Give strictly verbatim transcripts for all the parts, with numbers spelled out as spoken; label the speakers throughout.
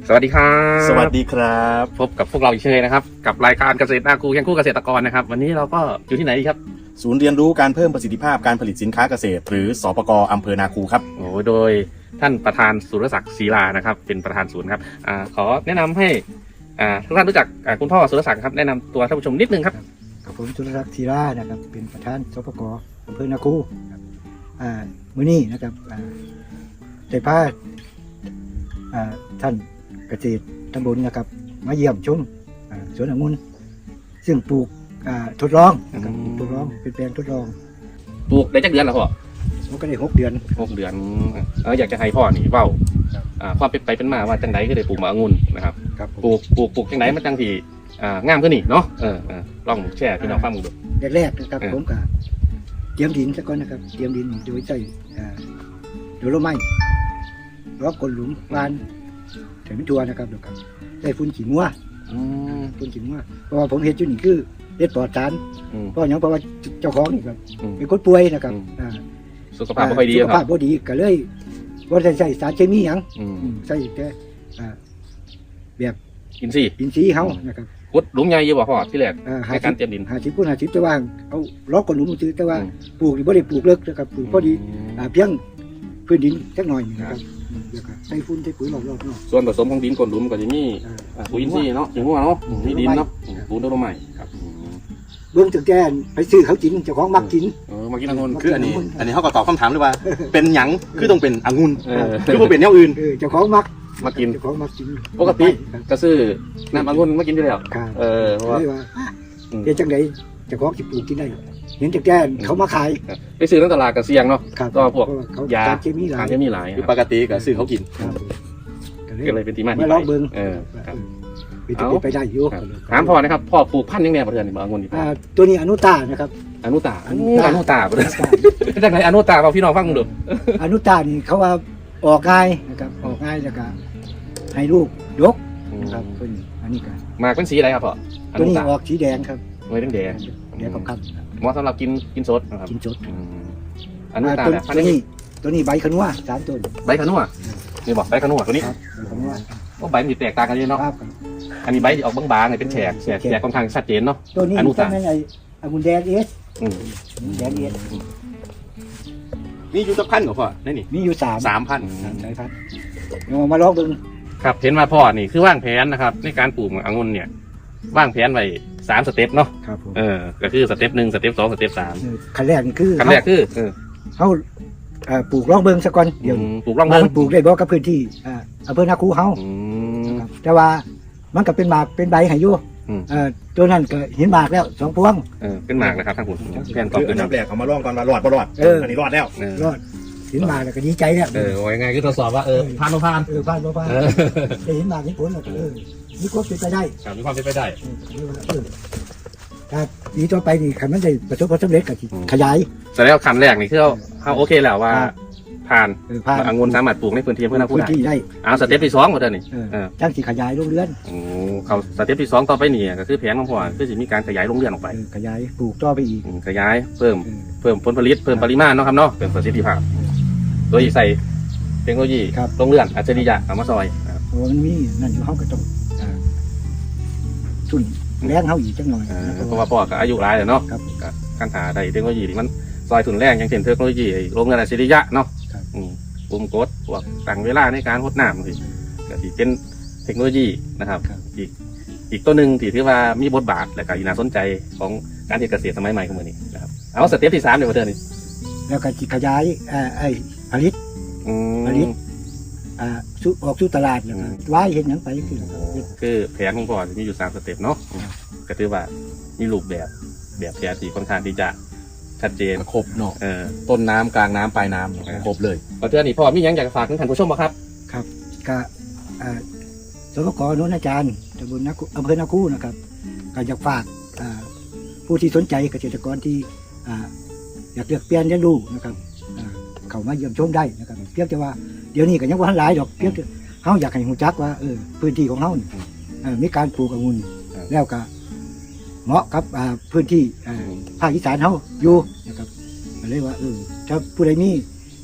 Speaker 1: สวัสดีครับ
Speaker 2: สวัสดีครับ
Speaker 1: พบกับพวกเราอีกเช่นเคยนะครับกับรายการเกษตรนาคูเคียงคู่เกษตรกรนะครับวันนี้เราก็อยู่ที่ไหนดีครับ
Speaker 2: ศูนย์เรียนรู้การเพิ่มประสิทธิภาพการผลิตสินค้าเกษตรหรือสปก.อำเภอนาคูครับ
Speaker 1: โอ้โดยท่านประธานสุรศักดิ์ศรีลานะครับเป็นประธานศูนย์ครับอ่าขอแนะนำให้อ่าทุกท่านรู้จักอ่าคุณพ่อสุรศักดิ์ครับแนะนำตัวท่านผู้ชมนิดนึงครับ
Speaker 3: กับผมสุรศักดิ์ธีรานะครับเป็นประธานสปก.อำเภอนาคูครับอ่ามื้อนี้นะครับอ่าได้พาอ่าท่านเกษตรตำบลนะครับมาเยี่ยมชมอ่าสวนองุ่นซึ่งปลูกอ่าทดลองนะครับปลูกทดลองเป็นแปลงทดลอง
Speaker 1: ปลูกได้จักเดือนแล้วพ่อ
Speaker 3: มันก็ได้หกเดือน
Speaker 1: หกเดือนเอออยากจะให้พ่อนี่เว้าอ่าความเป็นไปเป็นมาว่าจังไดก็ได้ปลูกมะองุ่นนะครับ
Speaker 3: ครับ
Speaker 1: ปลูกปลูกปลูกจังไดมันจังที่อ่างามขึ้นนี่เนาะเออเออลองแชร์พี่น้องฟังดู
Speaker 3: แรกๆนะครับผมก็เตรียมดินซะก่อนนะครับเตรียมดินโดยใช้อ่าโดยโลไม้รอบกลหลุมวานถึงตัวนะครับแล้วก็ได้ฝุ่นขี้งัว
Speaker 1: อืม
Speaker 3: ฝุ่นขี้งัวเพราะว่าผมเห็นอยู่นี่คือเฮ็ดปลอดสาร
Speaker 1: อืม
Speaker 3: เพราะหยังเพราะว่าเจ้าของนี่ครับ
Speaker 1: อืม
Speaker 3: เป็นคนป่วยนะครับ
Speaker 1: อืม
Speaker 3: อ่า
Speaker 1: สุขภาพไม่ค่อยดี
Speaker 3: สุข
Speaker 1: ค
Speaker 3: ภา
Speaker 1: รั
Speaker 3: พ
Speaker 1: บ
Speaker 3: บ่ดีก็เลยบ่ได้ใช้สารเคมีหยัง
Speaker 1: อืม
Speaker 3: อืมใช้แต่อ่าแบบ
Speaker 1: อินทรีย์
Speaker 3: อินทรีย์เฮานะครับ
Speaker 1: ขุดหลุมใหญ่อยู่บ่พ่อที่แรก
Speaker 3: อ่า
Speaker 1: ในการเตรียมดิน
Speaker 3: ห้าสิบคูณห้าสิบแต่ว่าเอาล็อกกับหลุมซื้อแต่ว่า
Speaker 1: อืม
Speaker 3: ปลูกนี่บ่ได้ปลูกเลิกนะครับปลูกพอดีอ่าเพียงพื้นดินจักหน่อยนี่นะครับอืมแล้วก็ใส่ฝุ่นใส่ปุ๋ยรอบๆเนาะ
Speaker 1: ส่วนผสมของดินก้นหลุมก็จะมี
Speaker 3: อ่า
Speaker 1: อ่าปุ๋ยอินทรีย์เนาะอย่างว่าเนาะอืมมีดินเนาะอืมปูนต้นไม้ครับอืม
Speaker 3: เบิ่งตั้งแต่ไปซื้อเขากินเจ้าของมักกิน
Speaker 1: เออมากินองุ่น
Speaker 2: คืออันนี้ อันนี้เขาก็ตอบคำถามเลยว่า เป็นหยังคือต้องเป็นองุ่น
Speaker 1: เออ
Speaker 2: คือว่าเป็นแนวอื่น
Speaker 3: เออเจ้าของมัก
Speaker 1: มากิน
Speaker 3: เจ้าของมักกิน
Speaker 1: ปกติ
Speaker 3: ครับ
Speaker 1: ก็ซื้อน้ำองุ่นมากินอยู่แล้ว
Speaker 3: ครับ
Speaker 1: เออเพราะว่า
Speaker 3: เลยว่า
Speaker 1: อืม
Speaker 3: เฮ็ดจังไดเจ้าของสิปลูกกินได้เห็นแต่แกนเขามาขาย
Speaker 1: ไปซื้อในตลาดก็เสี่ยงเนาะ
Speaker 3: ครับ
Speaker 1: ก็พวก
Speaker 3: เพราะเขา
Speaker 1: ยา
Speaker 3: สารเคมีหลา
Speaker 1: สาย รเคมีหลาย
Speaker 2: คือปกติก็ซื้อเขากิน
Speaker 3: ครับ
Speaker 1: ก็เลยเป็นที่มาที่
Speaker 3: มา
Speaker 1: ไป
Speaker 3: ลองเบิ่ง
Speaker 1: เออครับ
Speaker 3: เป็นจะเป็นไปได้อยู่
Speaker 1: ครับถามพ่อนะครับพ่อปลูกพันธุ์ยังไงประเทศนี่องุ่นนี่พ่อ
Speaker 3: อ่าตัวนี้อนุตานะครับ
Speaker 1: อนุตา
Speaker 3: อนุตา
Speaker 1: อนุตาประเทศเป็นจากไหนอนุตาเอาพี่น้องฟังดู
Speaker 3: อนุตานี่เขาว่าออกง่ายนะครับออกง่ายแล้วก็ให้ลูกยกนะครับตัวนี้อันนี้ก็
Speaker 1: หมากเป็นสีอะไรครับพ่ออ
Speaker 3: ตัว
Speaker 1: นุ
Speaker 3: นี้
Speaker 1: ตา
Speaker 3: ออกสีแดงครับ
Speaker 1: ไว้แดงแดง
Speaker 3: แดงกับครับ
Speaker 1: เหมาะสำหรับกินกินสดนะครับ
Speaker 3: กินสด
Speaker 1: อืมอนุตา
Speaker 3: ตัว
Speaker 1: แบบพัน
Speaker 3: ตัว
Speaker 1: ธุ์นี้
Speaker 3: นี้ตัวนี้ใบขนัวสามต้น
Speaker 1: ใบขนุนนี่บอกใบขนุนตัวนี้
Speaker 3: ครับใบขนัว
Speaker 1: ว่าใบมันสิแตกต่างกันเยอะเนาะ
Speaker 3: ครับ
Speaker 1: อันนี้ใบออกบางๆเนี่ยเป็นแฉกแฉกแฉกค่อนข้างชัดเจนเนาะ
Speaker 3: ตัวนี้
Speaker 1: อนุ
Speaker 3: ต้
Speaker 1: ตา
Speaker 3: นนั้นไอ้องุ่นแดงเอส
Speaker 1: อืม
Speaker 3: แดงเอส
Speaker 2: นี่อยู่จักพันกับพ่อนี่นี่
Speaker 3: มีอยู่สาม
Speaker 2: สามพัน
Speaker 3: สามสายพันธุ์เดี๋ยวมาลองเบิ่ง
Speaker 1: ครับเห็นมาพ่อนี่คือว่างแผนนะครับ ในการปลูกองุ่นเนี่ยว่างแผนไว้สามสเต็ปเนาะ
Speaker 3: ครับผม
Speaker 1: เออก็คือสเต็ปหนึ่งสเต็ปสองสเต็ปสาม
Speaker 3: เออขั้นแรกนี่คือ
Speaker 1: ขั้นแรกคือเออ
Speaker 3: เขาเอ่อปลูกลองเบิ่งซะก่อนเดี๋ยว
Speaker 1: อืมปลูกร่อง
Speaker 3: ว่า
Speaker 1: เบิ้ง
Speaker 3: มันปลูกได้บ่กับพื้นที่อ่าอำเภอนาคูเฮา
Speaker 1: อืม
Speaker 3: ครับแต่ว่ามันก็เป็นหมากเป็นใบให้อยู่
Speaker 1: อืม
Speaker 3: เอ่อตัวนั้นก็เห็นหมากแล้วสองพวง
Speaker 1: เออเป็นหมากนะครับทางผมแผนต่อ
Speaker 2: คือ
Speaker 1: ขึ้
Speaker 2: อั
Speaker 1: น
Speaker 2: นดับแรกเขามาลองก่อนว่ารอดบ่รอด
Speaker 3: เออ
Speaker 2: อันนี้รอดแล้ว
Speaker 1: เออ
Speaker 3: รอดเห็นหมากแล้วก็ดีใจแล้ว
Speaker 1: เออว่ายังไงคือทดสอบว่าเออผ่านบ่ผ่าน
Speaker 3: เออผ่านบ่ผ่าน
Speaker 1: เออ
Speaker 3: ได้เห็นหมากเห็นผลแล้วก็เออมีความเป็นไปได้
Speaker 1: ครับมีความเป็นไปได้
Speaker 3: เออเออถ้าดีต่อไปนี่คันมันได้ประสบความสำเร็จก็สิขยาย
Speaker 1: แต่แล้วขั้นแรกนี่คือเราเราโอเคแล้วว่า
Speaker 3: ครับ
Speaker 1: ผ่าน
Speaker 3: เออผ่าน
Speaker 1: องุ่นสามารถปลูกในพื้นที่อำเพื่อนาคู
Speaker 3: พื้น
Speaker 1: ได้
Speaker 3: ที่ได้
Speaker 1: เอาสเต็ปที่สองมาเด้อนี่
Speaker 3: เออ
Speaker 1: เออ
Speaker 3: จังสิขยายโรงเรือน
Speaker 1: โอ้เขาสเต็ปที่สองต่อไปนี่ก็คือแผนของพ่อคือจะมีการขยายโรงเรือนออกไป
Speaker 3: เออขยายปลูกต่อไปอีก
Speaker 1: อืมขยายเพิ่ม
Speaker 3: เออ
Speaker 1: เพิ่มผลผลิตเพิ่มปริมาณเนาะครับเนาะเพิ่มประสิทธิภาพ โดยใส่เทคโนโลยี
Speaker 3: ครับ
Speaker 1: โรงเรือนอัจฉริยะเอามาซอยนะครับ
Speaker 3: เพราะว่ามันมีนั่นอยู่เฮาก็ต้องอ่าทุนแรงเฮาอีกจังหน่อย
Speaker 1: เออ
Speaker 3: นะ
Speaker 1: เพราะว่าพ่อก็อายุหลายแล้วเนาะ
Speaker 3: ครับ
Speaker 1: ก็การหาได้เทคโนโลยีที่มันซอยทุนแรงอย่างเช่นเทคโนโลยีไอ้โรงเรือนอัจฉริยะเนาะ
Speaker 3: ครับ
Speaker 1: อืมปุ่มกดพวกตั้งเวลาในการรดน้ำสิก็ที่เป็นเทคโนโลยีนะครับ
Speaker 3: ครับ
Speaker 1: อีกอีกตัวหนึ่งที่ถือว่ามีบทบาทและก็อีน่าสนใจของการเกษตรสมัยใหม่ของมือนี้นะครับเอาสเต็ปที่สามเดี๋ยวมาเดินนี่
Speaker 3: แล้วก็สิขยายอ่าไอ้ผลิต
Speaker 1: อืม
Speaker 3: ผลิต อ่าสู่ออกสู่ตลาดแล้วก็
Speaker 1: อืม
Speaker 3: ไว้เห็นหยังไปคือ
Speaker 1: คือแผนของพ่อจะมีอยู่สามสเต็ปเนาะก็ถือว่ามีรูปแบบแบบแผนที่ค่อนข้างที่จะชัดเจน
Speaker 2: ครบเนาะ
Speaker 1: เออ
Speaker 2: ต้นน้ำกลางน้ำปลายน้ำครบเลย
Speaker 1: ประเทศนี้พ่อมีหยังอยากฝากถึงท่านผู้ชมบ่ครับ
Speaker 3: ครับก็อ่าสปกโน้นอาจารย์ตำบลนาคูอำเภอนาคูนะครับก็อยากฝากอ่าผู้ที่สนใจเกษตรกรที่อ่าอยากเลือกเปลี่ยนเรียนรู้นะครับอ่าเข้ามาเยี่ยมชมได้นะครับเพียงแต่ว่าเดี๋ยวนี้ก็ยังบ่ทันหลายดอกเพียงแต่เฮาอยากให้รู้จักว่าเออพื้นที่ของเฮานี่เอ่อมีการปลูกองุ่นแล้วก็เหมาะกับอ่าพื้นที่อ่าภาคอีสานเฮาอยู่นะครับก็เลยว่าเออถ้าผู้ใดมี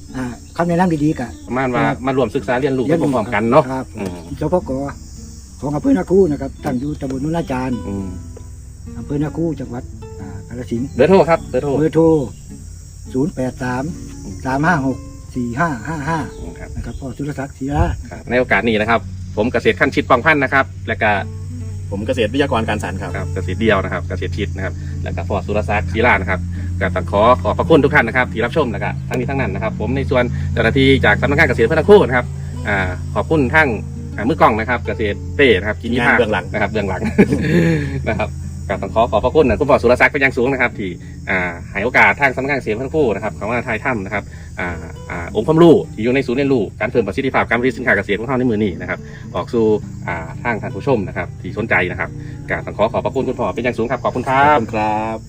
Speaker 3: อ่าคำแนะนำดีๆกับ
Speaker 1: ประมาณว่า
Speaker 3: ครับ
Speaker 1: มารวมศึกษาเรียนรู้
Speaker 3: เรียน
Speaker 1: ไป
Speaker 3: รู้
Speaker 1: พร้อมๆกันเนาะ
Speaker 3: ครับ
Speaker 1: อืม
Speaker 3: สปกของอำเภอนาคูนะครับตั้งอยู่ตำบลนุนาจารย์
Speaker 1: อืม
Speaker 3: อำเภอนาคูจังหวัดอ่ากาฬสินธุ์
Speaker 1: เบอร์โทรครับเบอร์โทร
Speaker 3: เบอร์โทรศูนย์แปดสามสามห้าหกสี่ห้าห้าห้า
Speaker 1: ครับ
Speaker 3: นะครับพ่อสุรศักดิ์ศรีรา
Speaker 1: ครับในโอกาสนี้นะครับ ผมเกษตรขั้นชิดปองพันธุ์นะครับ และก็
Speaker 2: ผมเกษตรวิทยากรการสารครับ
Speaker 1: ครับเกษตรเดียวนะครับเกษตรชิดนะครับ และก็ฟอร์ดสุรศักดิ์ศรีรานะครับก็ต้องขอขอบพระคุณทุกท่านนะครับที่รับชมนะครับทั้งนี้ทั้งนั้นนะครับ ผมในส่วนเจ้าหน้าที่จากสำนักงานเกษตรพัฒนาโคกนะครับอ่าขอบคุณทั้งอ่ามือกล้องนะครับ เกษตรเป้นะครับกินยี่ห้า
Speaker 2: เบื้องหลัง
Speaker 1: นะครับเบื้องหลัง นะครับก็ต้องขอขอบพระคุณนะคุณฟอร์ดสุรศักดิ์เป็นอย่างสูงนะครับ ที่อ่าให้โอกาสทางสำนักงานเกษตรพัฒนาโคกนะครับเขามาถ่ายถ้ำนะครับอ่าอ่าองค์ความรู้ที่อยู่ในศูนย์เรียนรู้การเพิ่มประสิทธิภาพการผลิตสินค้าเกษตรของเราในมือนี้นะครับ ออกสู่อ่าทางท่านผู้ชมนะครับที่สนใจนะครับก็ต้องขอขอบพระคุณคุณพ่อเป็นอย่างสูงครับขอบคุณค
Speaker 2: ข
Speaker 1: รั
Speaker 2: อบบ คุณครับ